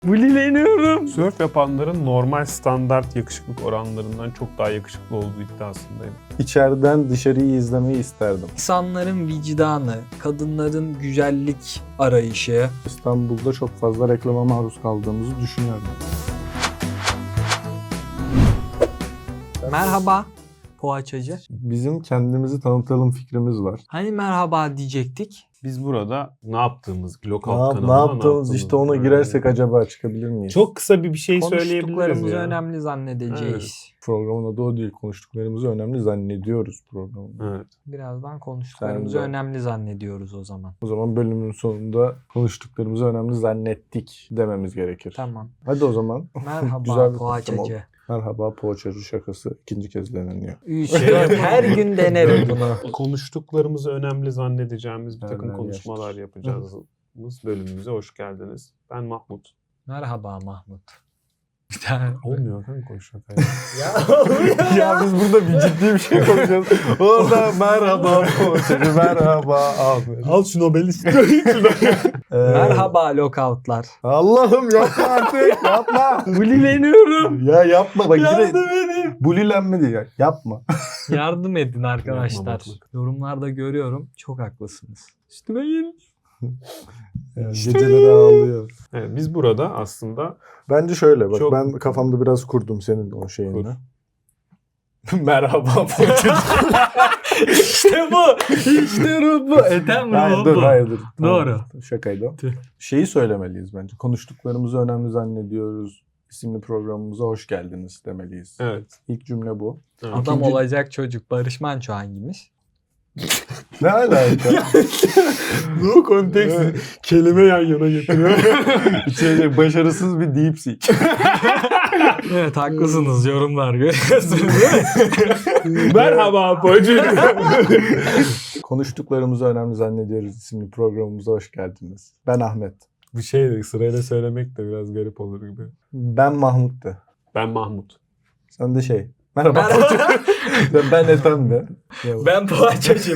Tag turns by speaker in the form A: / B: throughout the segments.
A: Bulileniyorum.
B: Sörf yapanların normal standart yakışıklık oranlarından çok daha yakışıklı olduğu iddiasındayım.
C: İçeriden dışarıyı izlemeyi isterdim.
A: İnsanların vicdanı, kadınların güzellik arayışı.
C: İstanbul'da çok fazla reklama maruz kaldığımızı düşünüyorum.
A: Merhaba poğaçacı.
C: Bizim kendimizi tanıtalım fikrimiz var.
A: Hani merhaba diyecektik?
B: Biz burada ne yaptığımız, Lookout
C: Ne
B: kanalında
C: yaptığımız işte ona girersek acaba çıkabilir miyiz?
B: Çok kısa bir şey söyleyebiliriz
A: Konuştuklarımızı
B: ya.
A: önemli zannedeceğiz.
C: Programın adı o değil. Konuştuklarımızı önemli zannediyoruz programda.
B: Evet.
A: Birazdan konuştuklarımızı
C: Sen de.
A: önemli zannediyoruz o zaman.
C: O zaman bölümün sonunda konuştuklarımızı önemli zannettik dememiz gerekir.
A: Tamam.
C: Hadi o zaman.
A: Merhaba
C: Güzel bir
A: poğaçacı.
C: Merhaba poğaçacı şakası ikinci kez deneniyor.
A: 3, 4 her gün denerim bunu.
B: Konuştuklarımızı önemli zannedeceğimiz bir takım
C: Nereden
B: konuşmalar
C: geçtik?
B: yapacağız. Bölümümüze hoş geldiniz. Ben Mahmut.
A: Merhaba Mahmut. Bir tane.
B: Olmuyor kanka konuşmak.
C: Ya biz burada bir ciddi bir şey konuşuyoruz. Orada merhaba poğaçacı, merhaba abi.
B: Al şu Nobel'i.
A: Merhaba lockoutlar.
C: Allah'ım yapma artık, yapma.
A: Bulileniyorum.
C: Ya yapma bak
A: Yardım
C: yine
A: edin.
C: bulilenmedi ya. Yapma.
A: Yardım edin arkadaşlar.
B: Yapma, bak.
A: Yorumlarda görüyorum. Çok haklısınız. Üstüme gelin.
C: Geceleri ağlıyor.
B: Evet, biz burada aslında
C: Bence şöyle bak
B: Çok-
C: ben kafamda biraz kurdum senin o şeyini.
B: Kur.
C: Merhaba poğaçacı.
A: İşte bu. İşte bu. Ethem
C: Hayır dur hayır dur.
A: Doğru.
C: Tamam, şakaydı o.
A: Tüh.
C: Şeyi söylemeliyiz bence. Konuştuklarımızı önemli zannediyoruz. İsimli programımıza hoş geldiniz demeliyiz.
B: evet.
C: İlk cümle bu.
B: Evet.
A: Adam
C: İkinci-
A: olacak çocuk. Barış Manço hangimiz?
C: Ne alaka?
B: No context. Kelime yan yana getiriyor.
C: İçeride başarısız bir deepseek.
A: Evet haklısınız. Yorumlar görüyorsunuz değil mi?
B: Merhaba Bacı.
C: Konuştuklarımızı önemli zannediyoruz isimli programımıza hoş geldiniz. Ben Ahmet.
B: Bu şey sırayla söylemek de biraz garip olur gibi.
C: Ben Mahmut de.
B: Ben Mahmut.
C: Sen de şey. Merhaba. Ben Ethem de.
A: Ben poğaçacıyım.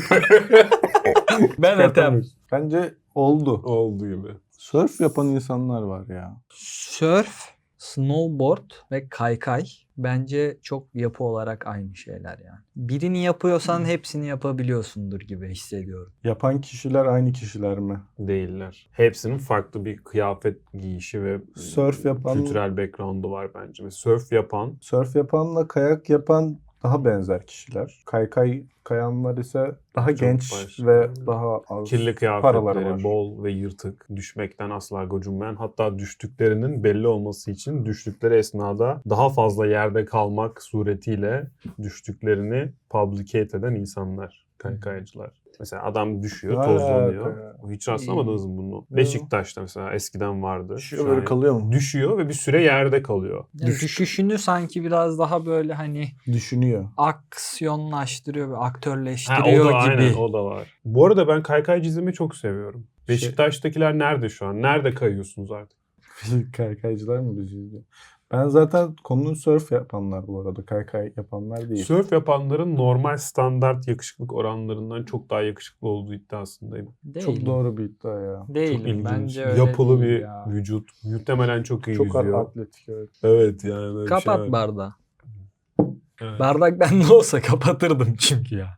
A: Ben Ethem.
C: Bence oldu.
B: Olduğu gibi.
C: Surf yapan insanlar var ya.
A: Surf, snowboard ve kaykay bence çok yapı olarak aynı şeyler yani. Birini yapıyorsan hepsini yapabiliyorsundur gibi hissediyorum.
C: Yapan kişiler aynı kişiler mi?
B: Değiller. Hepsinin farklı bir kıyafet giyişi ve
C: Surf yapan-
B: kültürel background'u var bence. Ve surf yapan
C: Surf yapanla kayak yapan daha benzer kişiler. Kaykay kayanlar ise daha
B: Çok
C: genç
B: başka.
C: ve daha az
B: kirli
C: paraları
B: kıyafetleri,
C: var.
B: bol ve yırtık, düşmekten asla gocunmayan, hatta düştüklerinin belli olması için düştükleri esnada daha fazla yerde kalmak suretiyle düştüklerini publicate eden insanlar, kaykaycılar. Mesela adam düşüyor,
C: Ne
B: tozlanıyor.
C: alaka ya?
B: Hiç rastlamadınız mı bunu?
C: Yok.
B: Beşiktaş'ta mesela eskiden vardı.
C: Düşüyor
B: Şu
C: böyle
B: an
C: kalıyor mu?
B: Düşüyor ve bir süre yerde kalıyor.
A: Yani düşüşünü sanki biraz daha böyle hani
C: Düşünüyor.
A: aksiyonlaştırıyor ve
B: Ha, o
A: aktörleştiriyor
B: da
A: gibi.
B: aynen o da var. Bu arada ben kaykaycı izlemeyi çok seviyorum. Beşiktaş'takiler nerede şu an? Nerede kayıyorsunuz artık?
C: Kaykaycılar mı bizi izliyor? Ben zaten konunun surf yapanlar bu arada. Kaykay yapanlar değil.
B: Sörf yapanların normal standart yakışıklık oranlarından çok daha yakışıklı olduğu iddiasındayım.
A: Değilim.
C: Çok doğru bir iddia ya.
B: Çok
A: Değilim.
B: ilginç.
A: Bence öyle
B: Yapılı
A: değil
B: bir
A: ya.
B: vücut. Muhtemelen çok iyi
C: Çok
B: yüzüyor.
C: atletik evet.
B: Evet yani. böyle bir
A: Kapat
B: şey var.
A: bardağı.
B: Evet.
A: Bardak bende olsa kapatırdım çünkü ya.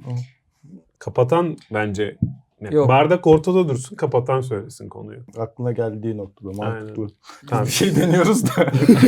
B: Kapatan bence
A: Yok.
B: bardak ortada dursun, kapatan söylesin konuyu.
C: Aklına geldiği noktada mantıklı.
B: Tamam.
C: Bir şey deniyoruz da.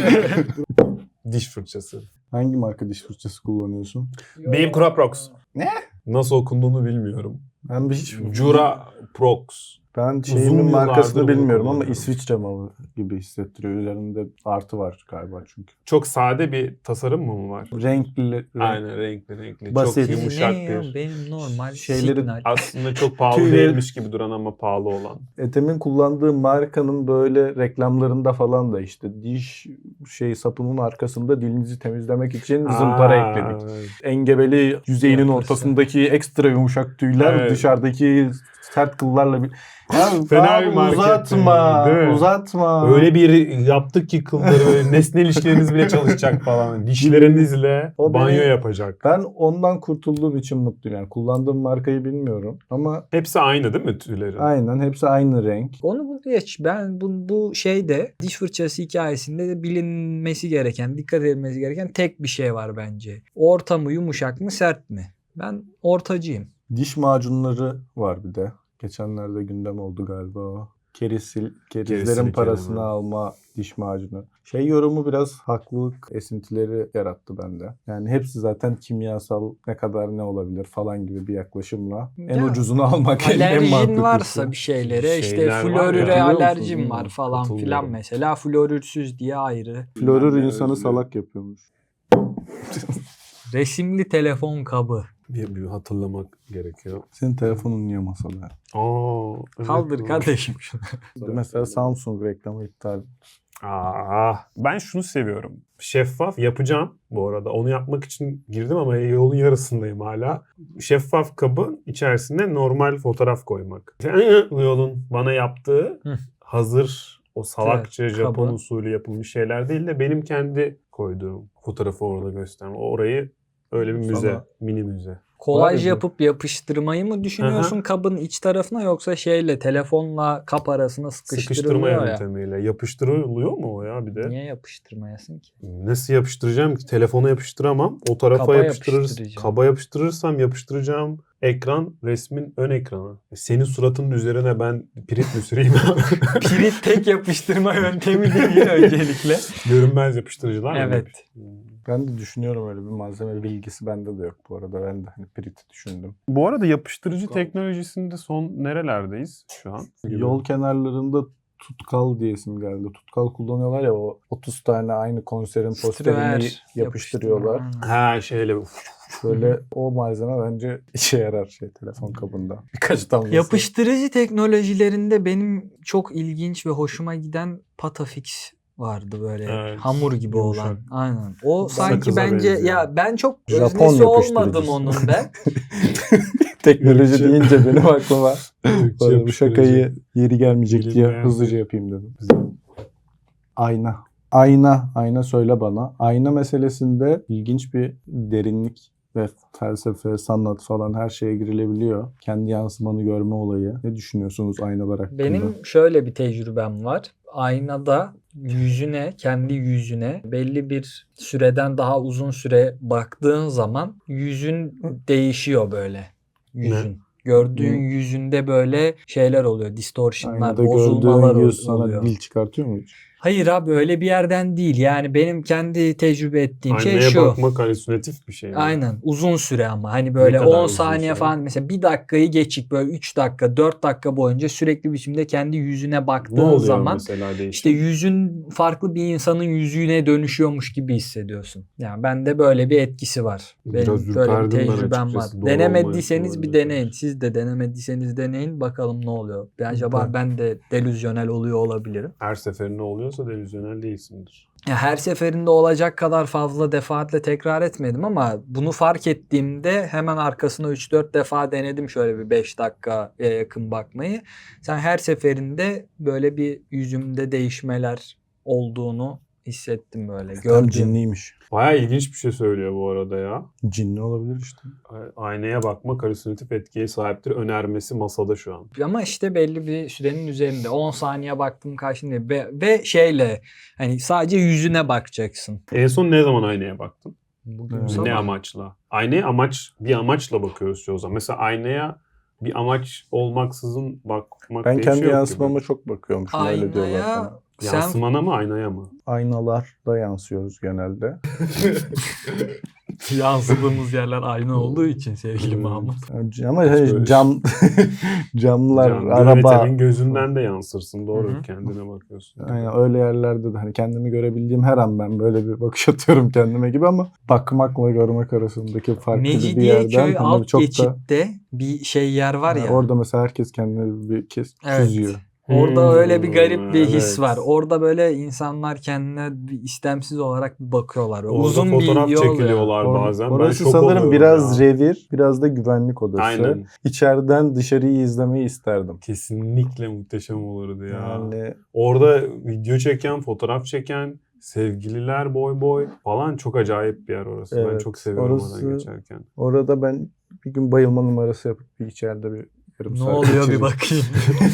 B: Diş fırçası.
C: Hangi marka diş fırçası kullanıyorsun?
B: Beam Curaprox.
C: Ne?
B: Nasıl okunduğunu bilmiyorum.
C: Ben bir hiç
B: Curaprox.
C: Ben
B: Uzun
C: şeyimin
B: yıllardır
C: markasını
B: bunu
C: bilmiyorum ama
B: kullanıyorum.
C: İsviçre malı gibi hissettiriyor. Üzerinde artı var galiba çünkü.
B: Çok sade bir tasarım mı var?
C: Renkli.
B: Aynen renkli.
C: Basit.
B: Çok yumuşak
A: Ne ya?
B: bir.
A: Benim normal
C: Şeyleri-
A: signal.
B: Aslında çok pahalı
C: Tüyleri-
B: değilmiş gibi duran ama pahalı olan.
C: Ethem'in kullandığı markanın böyle reklamlarında falan da işte diş sapının arkasında dilinizi temizlemek için zımpara ekledik.
B: Evet.
C: Engebeli yüzeyinin
A: Yapısı.
C: ortasındaki ekstra yumuşak tüyler
B: Evet.
C: dışarıdaki sert kıllarla bir... Ya
B: Fena
C: abi
B: bir market
C: uzatma.
B: değil mi?
C: Uzatma.
B: Öyle bir yaptık ki kılları böyle nesnel ilişkileriniz bile çalışacak falan. Dişlerinizle
C: O
B: banyo
C: beni-
B: yapacak.
C: Ben ondan kurtulduğum için mutluyum. Yani kullandığım markayı bilmiyorum ama
B: Hepsi aynı değil mi tüylerin?
C: aynen hepsi aynı renk.
A: Onu geç. Ben bu şeyde diş fırçası hikayesinde de bilinmesi gereken, dikkat edilmesi gereken tek bir şey var bence. Orta mı, yumuşak mı, sert mi? Ben ortacıyım.
C: Diş macunları var bir de. Geçenlerde gündem oldu galiba o. Kerizlerin
B: Kerizli
C: parasını
B: kelime.
C: alma diş macunu. Şey yorumu biraz haklılık esintileri yarattı bende. Yani hepsi zaten kimyasal, ne kadar ne olabilir falan gibi bir yaklaşımla. En
A: Ya,
C: ucuzunu almak en
A: Alerjin
C: mantıklısı.
A: varsa bir şeylere işte
B: Şeyler var ya.
A: florüre
C: Katılıyor musun?
A: alerjim var falan
B: Katılıyorum.
A: filan mesela. Florürsüz diye ayrı.
C: Florür
B: Ben de
C: insanı
B: özlüyorum.
C: salak yapıyormuş.
A: Resimli telefon kabı.
B: Bir hatırlamak gerekiyor.
C: Senin telefonun niye masada?
B: Evet,
A: Kaldır
B: doğru.
A: kardeşim şunu.
C: Mesela Samsung reklamı iptal.
B: Ben şunu seviyorum. Şeffaf yapacağım bu arada. Onu yapmak için girdim ama yolun yarısındayım hala. Şeffaf kabın içerisine normal fotoğraf koymak. Bu yolun bana yaptığı
A: Hı.
B: hazır o salakça
A: Evet,
B: Japon
A: kabı.
B: usulü yapılmış şeyler değil de benim kendi koyduğum fotoğrafı orada gösterme. Orayı öyle bir müze,
C: Sana-
B: mini müze.
A: Kolaj
C: Var ya.
A: yapıp yapıştırmayı mı düşünüyorsun kabın iç tarafına yoksa şeyle telefonla kap arasına
B: Sıkıştırma
A: sıkıştırılıyor ya.
B: yöntemiyle. Yapıştırılıyor mu o ya bir de?
A: Niye yapıştırmayasın ki?
B: Nasıl yapıştıracağım ki? Telefona yapıştıramam. O tarafa
A: Kaba
B: yapıştırırız.
A: yapıştıracağım.
B: Kaba yapıştırırsam yapıştıracağım ekran resmin ön ekranı. Senin suratının üzerine ben pirit mi süreyim?
A: Pirit tek yapıştırma yöntemi değil öncelikle.
B: Görünmez yapıştırıcılar mı?
A: Evet.
C: Ben de düşünüyorum, öyle bir malzeme bilgisi bende de yok bu arada. Ben de hani Pirit'i düşündüm.
B: Bu arada yapıştırıcı teknolojisinde son nerelerdeyiz şu an?
C: Yol kenarlarında tutkal diye isim geldi. Tutkal kullanıyorlar ya, o 30 tane aynı konserin posterini
A: Stüver
C: yapıştırıyorlar.
A: yapıştırma.
B: Ha şeyle
C: Böyle o malzeme bence işe yarar telefon kabında. Birkaç damlası.
A: Yapıştırıcı teknolojilerinde benim çok ilginç ve hoşuma giden Patafix vardı böyle
B: Evet,
A: hamur gibi
B: yumuşak.
A: olan. Aynen. O sanki
B: Sakıza
A: bence
B: benziyor.
A: ya ben çok
C: Japon
A: öznesi olmadım
C: yapıştırıcısı.
A: onun ben.
C: Teknoloji
B: Gökçe.
C: deyince benim aklıma
B: Gökçe
C: bu
B: yapıştırıcı.
C: şakayı yeri gelmeyecek diye
B: Bilinmeyen
C: hızlıca yapayım dedim. Ayna. Ayna söyle bana. Ayna meselesinde ilginç bir derinlik ve felsefe, sanat falan her şeye girilebiliyor. Kendi yansımanı görme olayı. Ne düşünüyorsunuz aynalar hakkında?
A: Benim şöyle bir tecrübem var. Aynada kendi yüzüne belli bir süreden daha uzun süre baktığın zaman yüzün değişiyor böyle. Yüzün. Gördüğün
C: Hı.
A: yüzünde böyle şeyler oluyor. Distortionlar,
C: Aynada
A: bozulmalar
C: gördüğün yüz sana
A: oluyor.
C: dil çıkartıyor mu hiç?
A: Hayır abi öyle bir yerden değil. Yani benim kendi tecrübe ettiğim
B: Aynaya
A: şey şu.
B: bakmak halüsinatif bir şey mi?
A: Aynen. Uzun süre ama. Hani böyle
B: kadar
A: 10
B: uzun
A: saniye
B: süre?
A: falan mesela bir dakikayı geçik böyle 3 dakika 4 dakika boyunca sürekli biçimde kendi yüzüne
B: Ne
A: baktığın
B: oluyor
A: zaman
B: mesela değişim?
A: işte yüzün farklı bir insanın yüzüne dönüşüyormuş gibi hissediyorsun. Yani bende böyle bir etkisi var.
B: Biraz
A: Benim böyle bir
B: ürperdim ben
A: tecrübem var.
B: açıkçası. Doğru
A: Denemediyseniz bir
B: olmayabilir.
A: deneyin. Siz de denemediyseniz deneyin. Bakalım ne oluyor. Acaba
C: Ben-
A: ben de delüzyonel oluyor olabilirim.
B: Her seferinde oluyorsa delüzyonel değilsindir.
A: Ya her seferinde olacak kadar fazla defaatle tekrar etmedim ama bunu fark ettiğimde hemen arkasına 3-4 defa denedim şöyle bir 5 dakikaya yakın bakmayı. Sen her seferinde böyle bir yüzümde değişmeler olduğunu hissettim böyle.
C: Tam
A: Gördüm.
C: cinliymiş.
B: Bayağı ilginç bir şey söylüyor bu arada ya.
C: Cinli olabilir işte.
B: Aynaya bakmak halüsinatif etkiye sahiptir. Önermesi masada şu an.
A: Ama işte belli bir sürenin üzerinde 10 saniye baktım karşında ve şeyle hani sadece yüzüne bakacaksın.
B: En son ne zaman aynaya baktın?
A: Bugün
C: Evet.
B: Ne
A: sabah.
B: amaçla? Aynaya bir amaçla bakıyoruz çoğu zaman. Mesela aynaya bir amaç olmaksızın bakmak
C: Ben
B: diye bir
C: kendi
B: şey yok
C: yansımama
B: gibi.
C: çok bakıyormuşum, öyle diyorlar
A: Aynaya
C: bana.
A: sen
B: Yansımana mı aynaya mı?
C: Aynalarda yansıyoruz genelde.
A: yansıdığımız yerler aynı olduğu için sevgili Mahmut.
C: Ama
B: böyle-
C: camlar,
B: Can,
C: araba.
B: yönetenin gözünden de yansırsın. Doğru.
A: Hı hı.
B: Kendine bakıyorsun.
C: Aynen, öyle yerlerde de hani kendimi görebildiğim her an ben böyle bir bakış atıyorum kendime gibi, ama bakmakla görmek arasındaki farklı bir yerden
A: Mecidiyeköy
C: hani
A: alt
C: çok da
A: geçitte bir şey yer var ya.
C: orada mesela herkes kendine bir kez
A: Evet.
C: çiziyor.
A: Orada öyle bir garip bir his
B: evet.
A: var. Orada böyle insanlar kendine bir istemsiz olarak bir bakıyorlar. Böyle
B: Orada
A: uzun bir
B: fotoğraf
A: yol ya.
B: çekiliyorlar bazen. Ben
C: Orası
B: şok
C: sanırım
B: oluyorum
C: biraz
B: ya.
C: revir, biraz da güvenlik odası.
B: Aynen.
C: İçeriden dışarıyı izlemeyi isterdim.
B: Kesinlikle muhteşem olurdu ya.
C: Yani
B: Orada video çeken, fotoğraf çeken, sevgililer boy boy falan çok acayip bir yer orası. Ben
C: Evet,
B: çok seviyorum
C: orası-
B: oradan geçerken.
C: orada ben bir gün bayılma numarası yapıp bir içeride bir yarım
A: Ne
C: saat
A: oluyor bir
C: geçireceğim.
A: bakayım.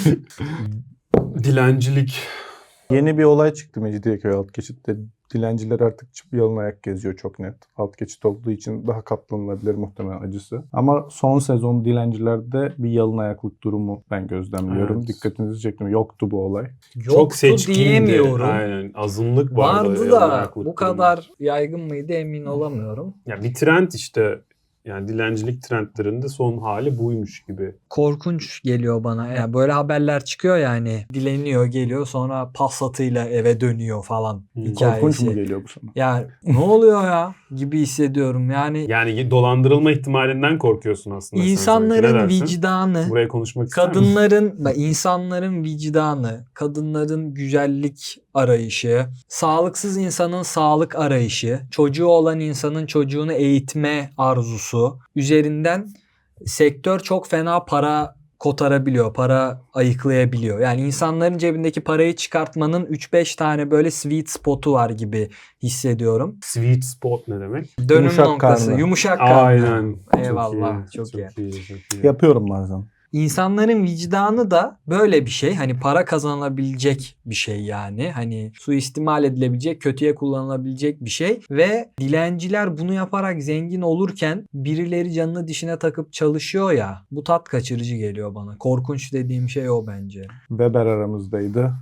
B: Dilencilik.
C: Yeni bir olay çıktı Mecidiyeköy alt geçitte. Dilenciler artık yalın ayak geziyor çok net. Alt geçit olduğu için daha katlanılabilir muhtemelen acısı. Ama son sezon dilencilerde bir yalın ayaklık durumu ben gözlemliyorum.
B: Evet.
C: Dikkatinizi çektim. Yoktu bu olay.
B: Çok
A: Yoktu
B: seçkindi.
A: diyemiyorum.
B: Aynen. Azınlık vardı.
A: Vardı
B: yalan
A: da
B: ayaklık
A: bu
B: durumu.
A: kadar yaygın mıydı emin olamıyorum.
B: Ya bir trend işte. Yani dilencilik trendlerinde son hali buymuş gibi.
A: Korkunç geliyor bana. Yani böyle haberler çıkıyor yani. Dileniyor geliyor sonra Passat'ıyla eve dönüyor falan hikayesi.
C: Korkunç mu geliyor bu sana?
A: Yani ne oluyor ya gibi hissediyorum. Yani
B: Yani dolandırılma ihtimalinden korkuyorsun aslında. sen sanki. Ne
A: insanların
B: dersin?
A: vicdanı,
B: Buraya konuşmak ister misin?
A: insanların vicdanı, kadınların güzellik arayışı, sağlıksız insanın sağlık arayışı, çocuğu olan insanın çocuğunu eğitme arzusu üzerinden sektör çok fena para kotarabiliyor, para ayıklayabiliyor. Yani insanların cebindeki parayı çıkartmanın 3-5 tane böyle sweet spot'u var gibi hissediyorum.
B: Sweet spot ne demek?
A: Dönüm
C: Yumuşak
A: noktası,
C: karnı.
A: yumuşak karnı.
B: Aynen.
A: Eyvallah, çok iyi.
B: Çok iyi.
C: Yapıyorum bazen.
A: İnsanların vicdanı da böyle bir şey. Hani para kazanılabilecek bir şey yani. Hani suistimal edilebilecek, kötüye kullanılabilecek bir şey. Ve dilenciler bunu yaparak zengin olurken birileri canını dişine takıp çalışıyor ya. Bu tat kaçırıcı geliyor bana. Korkunç dediğim şey o bence.
C: Weber aramızdaydı.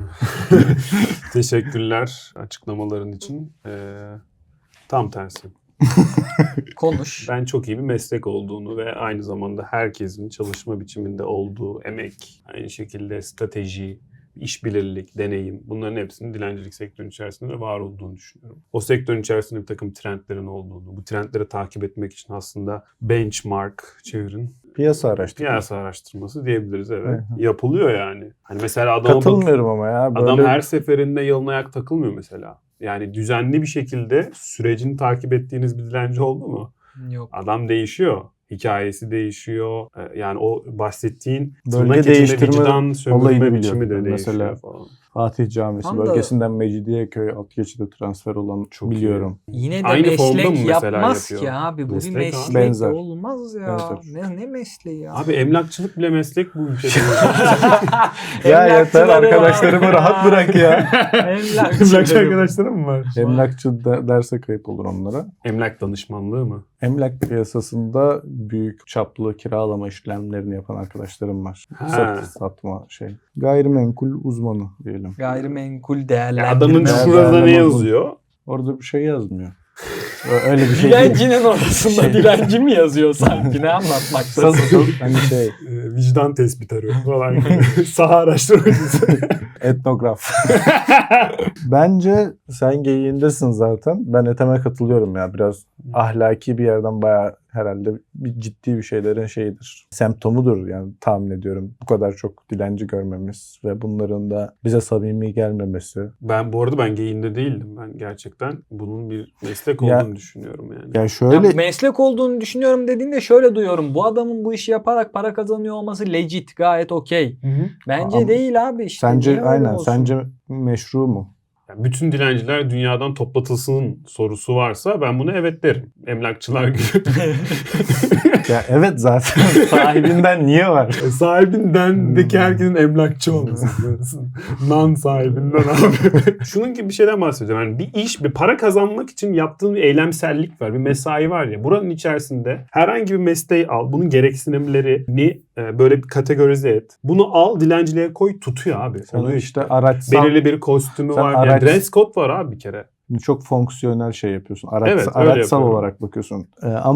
B: Teşekkürler açıklamaların için. Tam tersi.
A: Konuş.
B: Ben çok iyi bir meslek olduğunu ve aynı zamanda herkesin çalışma biçiminde olduğu emek, aynı şekilde strateji, işbirlik, deneyim, bunların hepsinin dilencilik sektörünün içerisinde var olduğunu düşünüyorum. O sektörün içerisinde bir takım trendlerin olduğunu, bu trendleri takip etmek için aslında benchmark çevirin.
C: Piyasa araştırması.
B: Piyasa araştırması diyebiliriz, evet.
C: Hı hı.
B: Yapılıyor yani. Hani mesela adama
C: Katılmıyorum ama ya. Böyle
B: adam her seferinde yalın ayak takılmıyor mesela. Yani düzenli bir şekilde sürecini takip ettiğiniz bir dilenci oldu mu?
A: Yok.
B: Adam değişiyor. Hikayesi değişiyor. Yani o bahsettiğin
C: Bölge
B: tırnak içinde
C: değiştirme
B: vicdan
C: olayını
B: sömürme biçimi de
C: biliyorum.
B: değişiyor
C: Mesela
B: falan.
C: Fatih Camisi
A: Tam da-
C: bölgesinden Mecidiyeköy alt geçide transfer olan
B: Çok
C: biliyorum.
A: Yine de
B: Aynı formda mı
A: meslek
B: mesela
A: yapmaz
B: yapıyor?
A: ki abi. Bu
B: Meslek
A: bir
B: abi.
A: meslek
C: Benzer.
A: olmaz ya.
C: Benzer.
A: Ne mesleği ya?
B: Abi emlakçılık bile meslek bu ülkede.
C: Ya yeter
A: Emlakçıları
C: arkadaşlarımı
A: var.
C: rahat bırak ya.
B: Emlakçı arkadaşlarım mı var?
C: Emlakçı derse kayıp olur onlara.
B: Emlak danışmanlığı mı?
C: Emlak piyasasında büyük çaplı kiralama işlemlerini yapan arkadaşlarım var.
B: Ha.
C: Satma şey. Gayrimenkul uzmanı diyelim.
A: Gayrimenkul
B: Ya
A: değerlendirme.
B: adamın
C: Değerlendirme
B: şurada ne
C: uzmanı.
B: yazıyor?
C: Orada bir şey yazmıyor. Öyle bir şey değil.
A: Dilencinin orasında
C: Şey-
A: dilenci mi yazıyor sanki? Ne anlatmaktasın?
C: Hani şey
B: Vicdan tespit arıyor falan. Saha araştırmacısı.
C: etnograf. Bence sen geyiğindesin zaten. Ben Ethem'e katılıyorum ya. Biraz ahlaki bir yerden bayağı herhalde bir ciddi bir şeylerin şeyidir. Semptomudur yani tahmin ediyorum. Bu kadar çok dilenci görmemiz ve bunların da bize samimi gelmemesi.
B: Ben bu arada ben geyinde değildim. Ben gerçekten bunun bir meslek
C: Ya-
B: olduğunu düşünüyorum yani.
C: Yani
A: Ya
C: şöyle
A: meslek olduğunu düşünüyorum dediğinde şöyle duyuyorum. Bu adamın bu işi yaparak para kazanıyor olması legit, gayet okey. Bence
C: Ama
A: değil abi işte.
C: sence
A: Niye öyle
C: aynen
A: olsun?
C: sence meşru mu?
B: Yani bütün dilenciler dünyadan toplatılsın sorusu varsa ben buna evet derim. Emlakçılar gibi.
C: Ya evet zaten sahibinden niye var?
B: Sahibindendeki herkesin emlakçı olması. Non sahibinden abi. Şunun gibi bir şeyden bahsediyorum. Yani bir iş, bir para kazanmak için yaptığın bir eylemsellik var. Bir mesai var ya. Buranın içerisinde herhangi bir mesleği al. Bunun gereksinimlerini böyle bir kategorize et. Bunu al, dilenciliğe koy, tutuyor abi.
C: Sen
B: Oluyor
C: işte
B: işte.
C: araçsal
B: Belirli bir kostümü
C: Sen
B: var.
C: araç-
B: Yani dress code var abi bir kere.
C: çok fonksiyonel şey yapıyorsun.
B: Evet, öyle
C: Araçsal
B: yapıyorum.
C: olarak bakıyorsun. Ama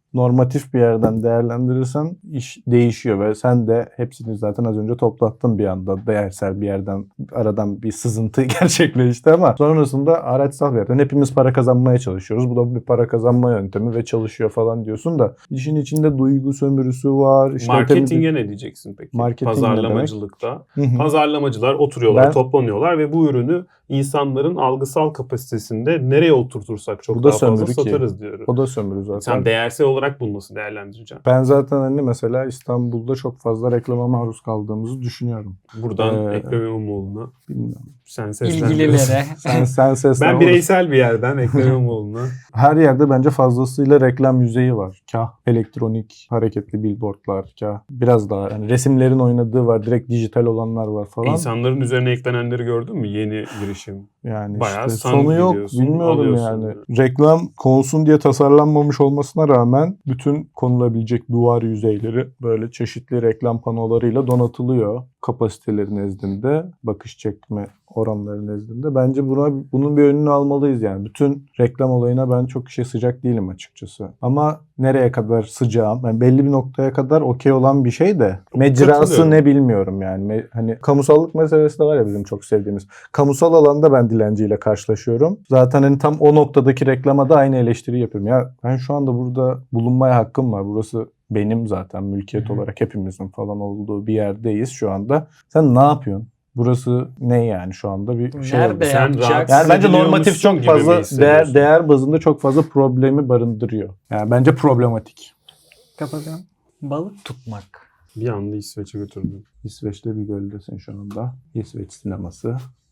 C: normatif bir yerden değerlendirirsen iş değişiyor ve sen de hepsini zaten az önce toplattın bir anda. Değersel bir yerden aradan bir sızıntı gerçekleşti ama sonrasında araçsal bir yerden hepimiz para kazanmaya çalışıyoruz. Bu da bir para kazanma yöntemi ve çalışıyor falan diyorsun da işin içinde duygu sömürüsü var. İşte
B: Marketinge ne diyeceksin peki?
C: Marketing ne
B: Pazarlamacılıkta.
C: demek?
B: Pazarlamacılar oturuyorlar, toplanıyorlar ve bu ürünü insanların algısal kapasitesinde nereye oturtursak çok
C: Bu da
B: daha fazla
C: sömürü ki.
B: satarız diyoruz.
C: O da sömürü zaten.
B: Sen değersel olarak bunu nasıl değerlendireceksin?
C: Ben zaten hani mesela İstanbul'da çok fazla reklama maruz kaldığımızı düşünüyorum.
B: Buradan Ekrem İmamoğlu'na
C: Bilmiyorum.
B: sen seslendiriyorsun.
A: İlgililere.
C: Sen seslen.
B: Ben bireysel bir yerden Ekrem İmamoğlu'na.
C: Her yerde bence fazlasıyla reklam yüzeyi var. Kah elektronik hareketli billboardlar, kah biraz daha yani resimlerin oynadığı var, direkt dijital olanlar var falan.
B: İnsanların üzerine eklenenleri gördün mü? Yeni girişim.
C: Yani
B: bayağı
C: işte
B: san
C: sonu yok,
B: gidiyorsun,
C: bilmiyorum
B: alıyorsun
C: yani.
B: yani.
C: Reklam konulsun diye tasarlanmamış olmasına rağmen bütün konulabilecek duvar yüzeyleri böyle çeşitli reklam panolarıyla donatılıyor kapasiteleri nezdinde, bakış çekme oranları nezdinde. Bence bunun bir önünü almalıyız yani. Bütün reklam olayına ben çok sıcak değilim açıkçası. Ama nereye kadar sıcağım? Yani belli bir noktaya kadar okey olan bir şey de mecrası
B: Katılıyorum.
C: ne bilmiyorum yani. Hani kamusallık meselesi de var ya bizim çok sevdiğimiz. Kamusal alanda ben dilenciyle karşılaşıyorum. Zaten hani tam o noktadaki reklama da aynı eleştiri yapıyorum. Ya ben şu anda burada bulunmaya hakkım var. Burası benim zaten mülkiyet olarak hepimizin falan olduğu bir yerdeyiz şu anda. Sen ne yapıyorsun? Burası ne yani şu anda bir şey
A: Nerede
C: oldu.
B: Sen
A: yapacak?
B: rahat-
C: Yani bence normatif
B: Ediliyormuşsun
C: çok
B: gibi mi
C: fazla
B: hissediyorsun?
C: değer bazında çok fazla problemi barındırıyor. Yani bence problematik.
A: Kapatıyorum. Balık tutmak.
B: Bir anda İsveç'e götürdüm.
C: İsveç'te bir göldesin şu anda. İsveç sineması.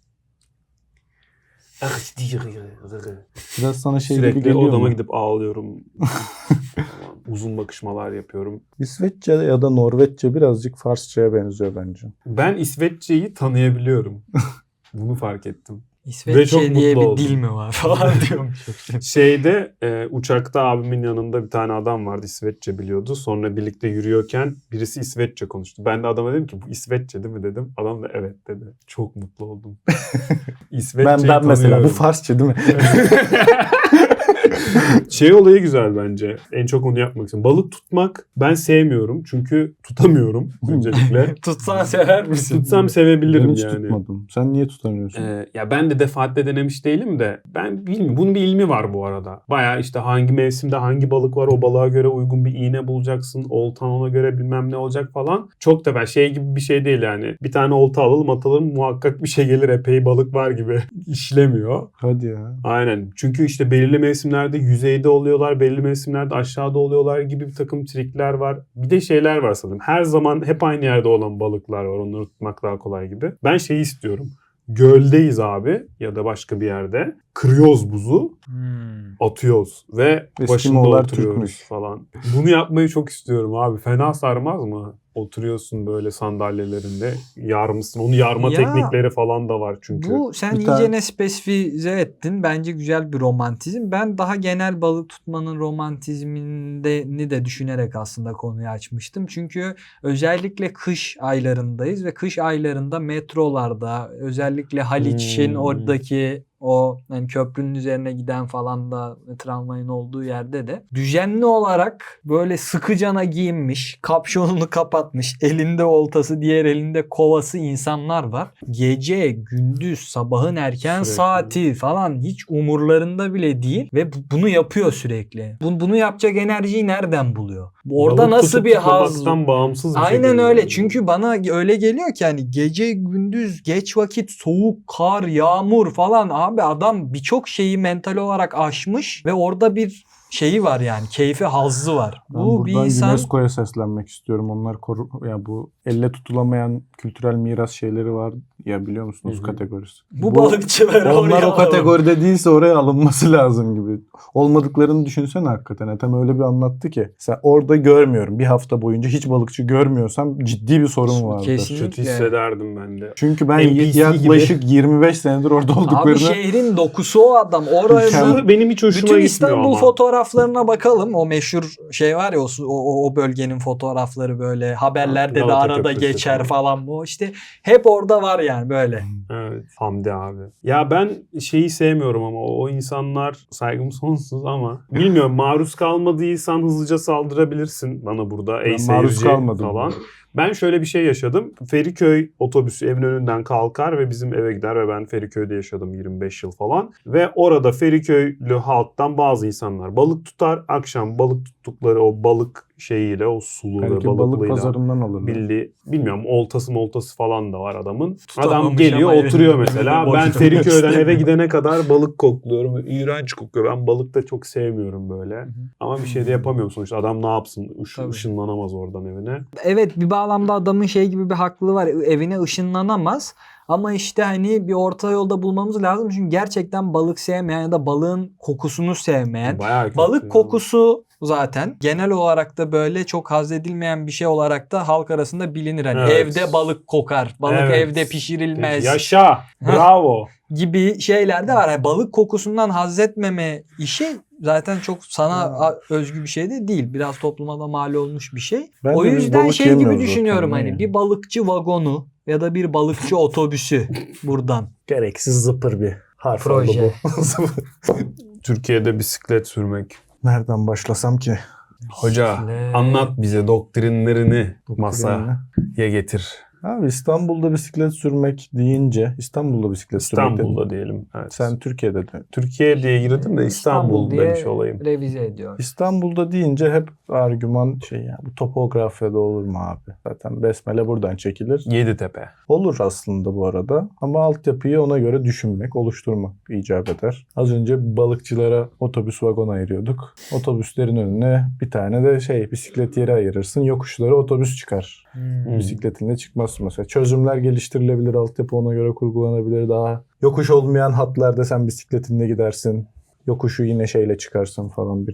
C: Biraz sana şey gibi
B: Sürekli
C: geliyor
B: odama
C: mu?
B: gidip ağlıyorum. Uzun bakışmalar yapıyorum.
C: İsveççe ya da Norveççe birazcık Farsça'ya benziyor bence.
B: Ben İsveççeyi tanıyabiliyorum. Bunu fark ettim. Ve çok
A: İsveççe diye
B: mutlu
A: bir
B: oldum.
A: dil mi var falan diyormuş.
B: Şeyde uçakta abimin yanında bir tane adam vardı, İsveççe biliyordu. Sonra birlikte yürüyorken birisi İsveççe konuştu. Ben de adama dedim ki bu İsveççe değil mi dedim. Adam da evet dedi. Çok mutlu oldum. İsveççeyi
C: Ben mesela bu
B: tanıyorum.
C: Farsça değil mi?
B: Şey olayı güzel bence. En çok onu yapmak istiyorum. Balık tutmak ben sevmiyorum. Çünkü tutamıyorum öncelikle.
A: Tutsan sever misin?
B: Tutsam sevebilirim
C: Ben hiç
B: yani.
C: tutmadım. Sen niye tutamıyorsun?
B: Ya ben de defaatle denemiş değilim de ben bilmiyorum. Bunun bir ilmi var bu arada. Bayağı işte hangi mevsimde hangi balık var, o balığa göre uygun bir iğne bulacaksın. Oltan ona göre bilmem ne olacak falan. Çok da ben şey gibi bir şey değil yani. Bir tane olta alalım atalım muhakkak bir şey gelir, epey balık var gibi işlemiyor.
C: Hadi ya.
B: Aynen. Çünkü işte belirli mevsimlerde yüzeyde oluyorlar, belirli mevsimlerde aşağıda oluyorlar gibi bir takım trikler var. Bir de şeyler var sanırım. Her zaman hep aynı yerde olan balıklar var. Onları tutmak daha kolay gibi. Ben şeyi istiyorum. Göldeyiz abi ya da başka bir yerde. Kırıyoruz buzu, atıyoruz ve başında
C: Eskimoğlar
B: oturuyoruz
C: Türkmüş.
B: falan. Bunu yapmayı çok istiyorum abi. Fena sarmaz mı? Oturuyorsun böyle sandalyelerinde, yarmışsın. Onu yarma
A: Ya,
B: teknikleri falan da var çünkü.
A: Bu sen
C: Bir
A: iyicene
C: tane-
A: spesifize ettin. Bence güzel bir romantizm. Ben daha genel balık tutmanın romantizmini de düşünerek aslında konuyu açmıştım. Çünkü özellikle kış aylarındayız ve kış aylarında metrolarda özellikle Haliç'in oradaki o yani köprünün üzerine giden falan da tramvayın olduğu yerde de düzenli olarak böyle sıkıcana giyinmiş, kapşonunu kapatmış, elinde oltası, diğer elinde kovası insanlar var. Gece, gündüz, sabahın erken
B: Sürekli.
A: saati falan hiç umurlarında bile değil ve bunu yapıyor sürekli. Bunu yapacak enerjiyi nereden buluyor? Orada
B: Balık
A: nasıl
B: tutup
A: bir haz?
B: tutmamaktan bağımsız bir
A: Aynen
B: şekilde
A: öyle.
B: yani.
A: Çünkü bana öyle geliyor ki hani gece gündüz geç vakit soğuk, kar, yağmur falan abi adam birçok şeyi mental olarak aşmış ve orada bir şeyi var yani keyfi, hazzı var.
C: Ben
A: Bu bir
C: buradan
A: insan
C: UNESCO'ya seslenmek istiyorum. Onlar ya bu elle tutulamayan kültürel miras şeyleri var ya, biliyor musunuz,
B: Hı hı.
C: kategorisi.
A: bu balıkçıları
C: Onlar
A: oraya
C: o
A: alalım.
C: kategoride değilse oraya alınması lazım gibi. Olmadıklarını düşünsene hakikaten. Ethem öyle bir anlattı ki. Sen orada görmüyorum. Bir hafta boyunca hiç balıkçı görmüyorsam ciddi bir sorun vardır.
A: Kesinlikle.
B: Kötü hissederdim ben de.
C: Çünkü ben
B: NPC
C: yaklaşık 25 senedir orada
A: Abi
C: olduklarını
A: şehrin dokusu o adam. Orada
B: Şu benim hiç hoşuma
A: bütün
B: gitmiyor
A: İstanbul
B: ama.
A: fotoğrafları fotoğraflarına bakalım. O meşhur şey var ya o bölgenin fotoğrafları böyle haberlerde de
B: Galata
A: arada
B: Köprüsü
A: geçer
B: falan.
A: falan bu. İşte hep orada var yani böyle.
B: Evet, Hamdi abi. Ya ben şeyi sevmiyorum ama o insanlar, saygım sonsuz ama bilmiyorum, maruz kalmadıysan hızlıca saldırabilirsin bana burada. Ey
C: Ben maruz
B: seyirci
C: kalmadım.
B: falan. Ben şöyle bir şey yaşadım. Feriköy otobüsü evin önünden kalkar ve bizim eve gider ve ben Feriköy'de yaşadım 25 yıl falan. Ve orada Feriköylü halktan bazı insanlar balık tutar. Akşam balık tuttukları o balık şeyiyle, o sulu ve
C: Belki balık
B: balıklıyla
C: pazarından alırlar.
B: bilmiyorum, oltası falan da var adamın.
A: Tutamamış
B: Adam geliyor
A: ama
B: oturuyor
A: elinde
B: mesela.
A: boş
B: Ben
A: durmak
B: Feriköy'den eve
A: istemiyor.
B: gidene kadar balık kokluyorum. İğrenç kokuyor. Ben balık da çok sevmiyorum böyle. Ama bir şey de yapamıyorum sonuçta. Adam ne yapsın?
A: Tabii.
B: Işınlanamaz oradan evine.
A: Evet, bir bağlamda adamın şey gibi bir haklılığı var. Evine ışınlanamaz. Ama işte hani bir orta yolda bulmamız lazım. Çünkü gerçekten balık sevmeyen ya da balığın kokusunu sevmeyen.
B: Bayağı kötü
A: Balık
B: ya.
A: kokusu zaten genel olarak da böyle çok haz edilmeyen bir şey olarak da halk arasında bilinir. Hani
B: Evet.
A: evde balık kokar, balık
B: Evet.
A: evde pişirilmez
B: Yaşa. Bravo.
A: gibi şeyler de var. Yani balık kokusundan haz etmeme işi zaten çok sana özgü bir şey de değil. Biraz topluma da mal olmuş bir şey.
C: Bence
A: O
C: biz
A: yüzden
C: balık
A: şey gibi
C: yemiyoruz
A: düşünüyorum
C: zaten,
A: hani
C: ne
A: bir balıkçı vagonu ya da bir balıkçı otobüsü buradan.
C: Gereksiz zıpır bir harf
A: Proje.
C: oldu bu.
B: Türkiye'de bisiklet sürmek.
C: Nereden başlasam ki?
B: Hoca
A: Bisiklet.
B: anlat bize doktrinlerini
C: Doktrinini.
B: masaya getir.
C: Abi İstanbul'da bisiklet sürmek deyince İstanbul'da bisiklet sürmek
B: İstanbul'da
C: dedin.
B: diyelim. Evet.
C: Sen Türkiye'de de.
B: Türkiye diye girdim de İstanbul
A: diye
B: demiş olayım.
A: revize ediyor.
C: İstanbul'da deyince hep argüman şey yani bu topografyada olur mu abi? Zaten besmele buradan çekilir.
B: Yeditepe.
C: Olur aslında bu arada ama altyapıyı ona göre düşünmek, oluşturmak icap eder. Az önce balıkçılara otobüs vagon ayırıyorduk. Otobüslerin önüne bir tane de bisiklet yeri ayırırsın. Yokuşlara otobüs çıkar. Bisikletinle çıkmazsın mesela. Çözümler geliştirilebilir, altyapı ona göre kurgulanabilir. Daha yokuş olmayan hatlarda sen bisikletinle gidersin. Yokuşu yine şeyle çıkarsın falan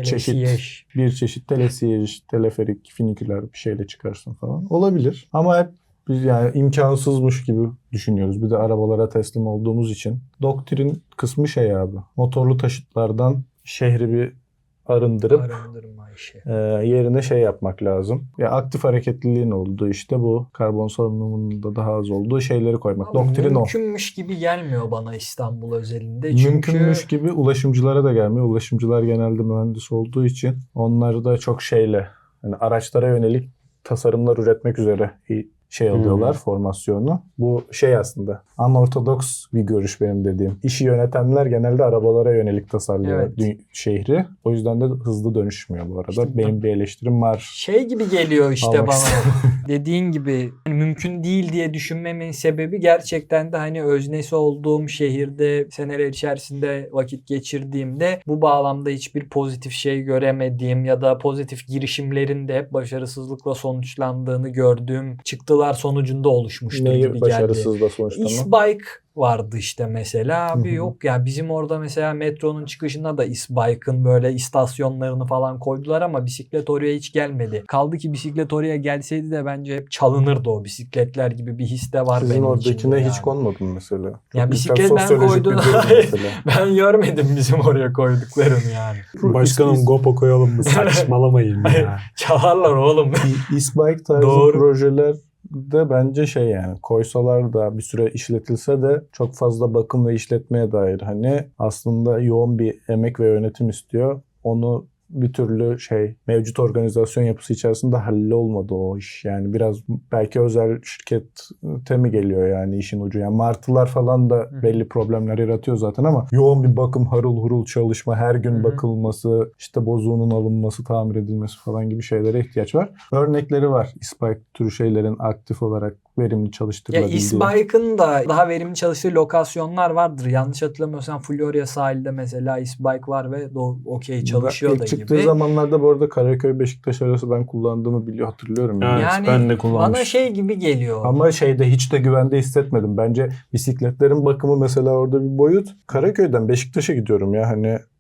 C: bir çeşit telesiyej, teleferik, finiküler bir şeyle çıkarsın falan. Olabilir. Ama hep biz yani imkansızmış gibi düşünüyoruz. Bir de arabalara teslim olduğumuz için. Doktrin kısmı şey abi. Motorlu taşıtlardan şehri bir arındırıp
A: Arındırma işi.
C: yerine şey yapmak lazım. Ya aktif hareketliliğin olduğu işte bu karbon salınımının da daha az olduğu şeyleri koymak.
A: Ama
C: Doktrin o.
A: mümkünmüş gibi gelmiyor bana İstanbul özelinde. Çünkü
C: Mümkünmüş gibi ulaşımcılara da gelmiyor. Ulaşımcılar genelde mühendis olduğu için onları da çok hani araçlara yönelik tasarımlar üretmek üzere alıyorlar formasyonu. Bu aslında unortodoks bir görüş benim dediğim. İşi yönetenler genelde arabalara yönelik tasarlıyor şehri. O yüzden de hızlı dönüşmüyor bu arada.
A: İşte
C: benim bir eleştirim var.
A: şey gibi geliyor işte
C: Almak
A: bana. Dediğin gibi hani mümkün değil diye düşünmemin sebebi gerçekten de hani öznesi olduğum şehirde seneler içerisinde vakit geçirdiğimde bu bağlamda hiçbir pozitif şey göremediğim ya da pozitif girişimlerin de hep başarısızlıkla sonuçlandığını gördüğüm çıktılar sonucunda oluşmuştur gibi geldi.
C: Başarısız da sonuçlanma?
A: İsbike vardı işte mesela. Abi
C: Hı hı.
A: yok ya bizim orada mesela metronun çıkışında da İsbike'ın böyle istasyonlarını falan koydular ama bisiklet oraya hiç gelmedi. Kaldı ki bisiklet oraya gelseydi de bence hep çalınırdı o bisikletler gibi bir his de var
C: Sizin
A: benim
C: oradakine
A: içimde
C: hiç
A: yani.
C: konmadım mesela. Çok
A: Ya
C: güzel
A: bisiklet ben
C: sosyolojik bir
A: koydum.
C: durum mesela.
A: Ben görmedim bizim oraya koyduklarını yani.
B: Başkanım GoPro koyalım mı? Saçmalamayın ya.
A: Çalarlar oğlum.
C: İsbike tarzı
A: Doğru.
C: projeler de bence yani koysalar da bir süre işletilse de çok fazla bakım ve işletmeye dair hani aslında yoğun bir emek ve yönetim istiyor. Onu bir türlü mevcut organizasyon yapısı içerisinde hallolmadı o iş. Yani biraz belki özel şirkete mi geliyor yani işin ucu. Yani martılar falan da belli problemler yaratıyor zaten ama yoğun bir bakım, harıl hurul çalışma, her gün bakılması, işte bozuğunun alınması, tamir edilmesi falan gibi şeylere ihtiyaç var. Örnekleri var. İSPIKE türü şeylerin aktif olarak verimli
A: Ya
C: çalıştırılabildiği.
A: İSBike'ın da daha verimli çalıştığı lokasyonlar vardır. Yanlış hatırlamıyorsam Florya sahilde mesela İSBike var ve okey çalışıyor da
C: İlk çıktığı
A: gibi.
C: zamanlarda bu arada Karaköy-Beşiktaş arası ben kullandığımı hatırlıyorum.
B: Evet,
A: Yani
B: ben de kullanmıştım.
A: bana şey gibi geliyor.
C: Ama hiç de güvende hissetmedim. Bence bisikletlerin bakımı mesela orada bir boyut. Karaköy'den Beşiktaş'a gidiyorum ya hani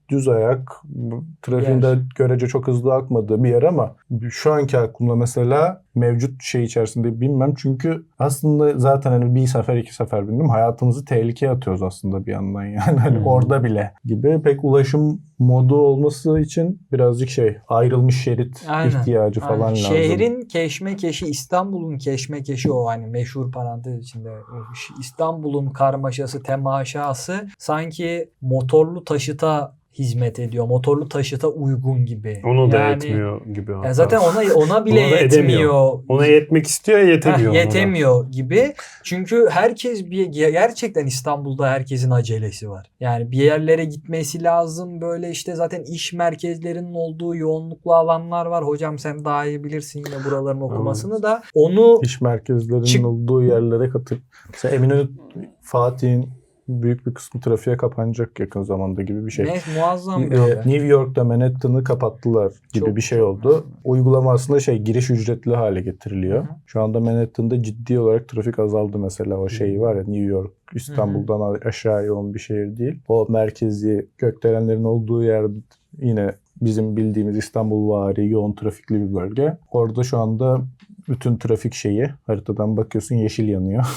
C: düz ayak, trafiğin de görece çok hızlı akmadığı bir yer ama şu anki aklımda mesela mevcut şey içerisinde bilmem. Çünkü aslında zaten hani bir sefer iki sefer bindim. Hayatımızı tehlikeye atıyoruz aslında bir yandan yani. Hani orada bile gibi. Pek ulaşım modu olması için birazcık ayrılmış şerit ihtiyacı falan lazım.
A: Şehrin keşmekeşi, İstanbul'un keşmekeşi o hani meşhur parantez içinde. İstanbul'un karmaşası, temaşası sanki motorlu taşıta hizmet ediyor. Motorlu taşıta uygun gibi.
B: Onu da etmiyor gibi.
A: Ya zaten ona bile yetmiyor.
B: Ona yetmek istiyor ya yetemiyor.
A: Yetemiyor gibi. Çünkü gerçekten İstanbul'da herkesin acelesi var. Yani bir yerlere gitmesi lazım. Böyle işte zaten iş merkezlerinin olduğu yoğunluklu alanlar var. Hocam sen daha iyi bilirsin yine buraların okumasını da. Onu
C: iş merkezlerinin olduğu yerlere katıp mesela Eminönü, Fatih'in büyük bir kısmı trafiğe kapanacak yakın zamanda gibi bir şey.
A: Muazzam bir
C: New York'ta Manhattan'ı kapattılar gibi bir şey oldu. Uygulama aslında giriş ücretli hale getiriliyor. Hı-hı. Şu anda Manhattan'da ciddi olarak trafik azaldı mesela. O şey var ya, New York İstanbul'dan aşağı yoğun bir şehir değil. O merkezi gökdelenlerin olduğu yer yine bizim bildiğimiz İstanbul-vari yoğun trafikli bir bölge. Orada şu anda bütün trafik haritadan bakıyorsun yeşil yanıyor.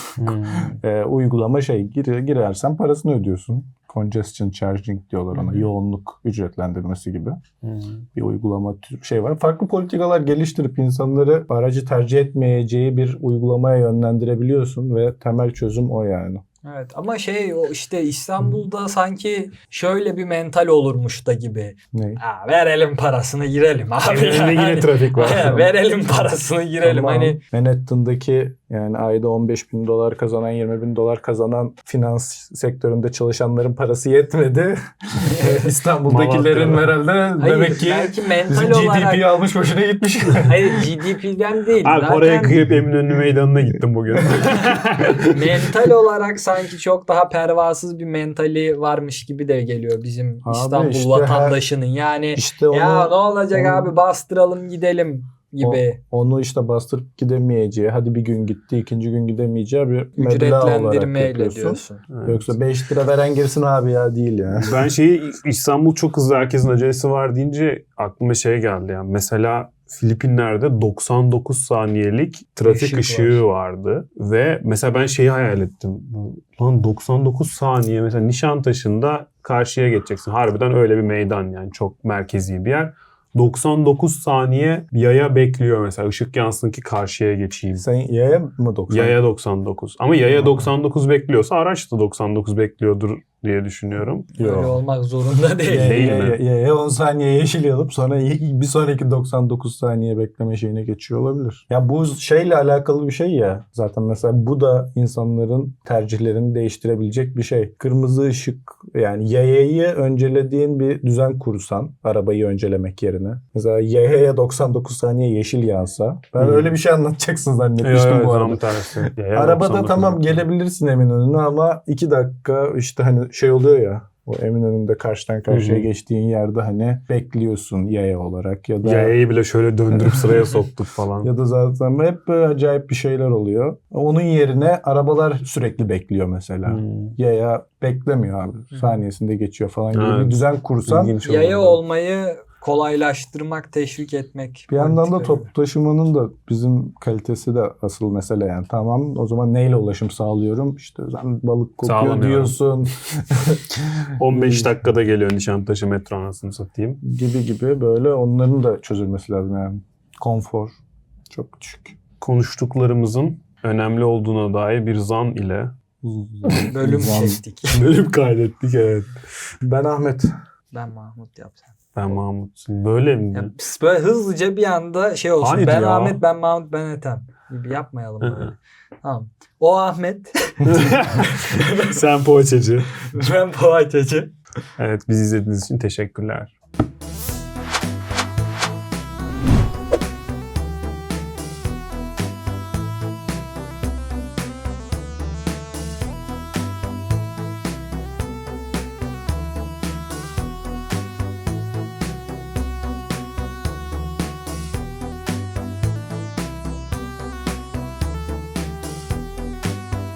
C: Uygulama girersen parasını ödüyorsun. Congestion charging diyorlar ona. Yoğunluk ücretlendirmesi gibi. Bir uygulama var. Farklı politikalar geliştirip insanları aracı tercih etmeyeceği bir uygulamaya yönlendirebiliyorsun ve temel çözüm o yani.
A: Evet ama o işte İstanbul'da sanki şöyle bir mental olurmuş da gibi.
C: Ne?
A: Verelim parasını girelim abi.
C: Yine trafik var.
A: Verelim parasını girelim.
C: Tamam.
A: Hani
C: Manhattan'daki yani ayda $15,000 kazanan, $20,000 kazanan finans sektöründe çalışanların parası yetmedi. İstanbul'dakilerin herhalde demek ki bizim GDP'yi almış boşuna gitmiş.
A: Hayır GDP'den değil.
B: Abi oraya kıyıp Eminönü Meydanı'na gittim bugün.
A: Mental olarak sanki çok daha pervasız bir mentali varmış gibi de geliyor bizim İstanbul vatandaşının. Yani ne olacak abi bastıralım gidelim gibi.
C: Onu bastırıp gidemeyeceği, hadi bir gün gitti, ikinci gün gidemeyeceği bir meblağ olarak yapıyorsun. Evet. Yoksa 5 lira veren girsin abi ya değil yani.
B: Ben İstanbul çok hızlı, herkesin acelesi var deyince aklıma geldi yani. Mesela Filipinler'de 99 saniyelik trafik ışığı vardı. Ve mesela ben hayal ettim. Lan 99 saniye mesela Nişantaşı'nda karşıya geçeceksin. Harbiden öyle bir meydan yani, çok merkezi bir yer. 99 saniye yaya bekliyor mesela. Işık yansın ki karşıya geçeyim.
C: Sen yaya mı 99?
B: Yaya 99. Ama yaya 99 bekliyorsa araç da 99 bekliyordur diye düşünüyorum.
A: Öyle olmak zorunda değil.
B: Değil mi?
C: Yaya 10 saniye yeşil yanıp sonra bir sonraki 99 saniye bekleme şeyine geçiyor olabilir. Ya bu alakalı bir şey ya. Zaten mesela bu da insanların tercihlerini değiştirebilecek bir şey. Kırmızı ışık, yani yayayı öncelediğin bir düzen kursan arabayı öncelemek yerine. Mesela yayaya 99 saniye yeşil yansa. Ben öyle bir şey anlatacaksın zannetmiştim bu arada. Arabada tamam gelebilirsin Eminönü'ne ama 2 dakika hani oluyor ya. O Eminönü'nde karşıdan karşıya geçtiğin yerde hani bekliyorsun yaya olarak ya da...
B: Yayayı bile şöyle döndürüp sıraya soktuk falan.
C: Ya da zaten hep böyle acayip bir şeyler oluyor. Onun yerine arabalar sürekli bekliyor mesela. Yaya beklemiyor abi. Saniyesinde geçiyor falan gibi bir düzen kursan...
A: Yaya olmayı kolaylaştırmak, teşvik etmek.
C: Bir yandan da toplu taşımanın da bizim kalitesi de asıl mesele yani. Tamam o zaman neyle ulaşım sağlıyorum? İşte sen balık kokuyor diyorsun.
B: 15 dakikada geliyor Nişantaşı metro, anasını satayım.
C: Gibi böyle onların da çözülmesi lazım yani. Konfor çok düşük.
B: Konuştuklarımızın önemli olduğuna dair bir zan ile
A: bölüm çektik.
B: Bölüm kaydettik, evet.
C: Ben Ahmet.
A: Ben Mahmut yapsam.
B: Ben Mahmut. Böyle mi?
A: Ya, böyle hızlıca bir anda olsun.
B: Hayır
A: ben
B: ya.
A: Ahmet, ben Mahmut, ben Ethem. Gibi yapmayalım böyle. Tamam. O Ahmet.
B: Sen poğaçacı.
A: Ben poğaçacı.
B: Evet, bizi izlediğiniz için teşekkürler.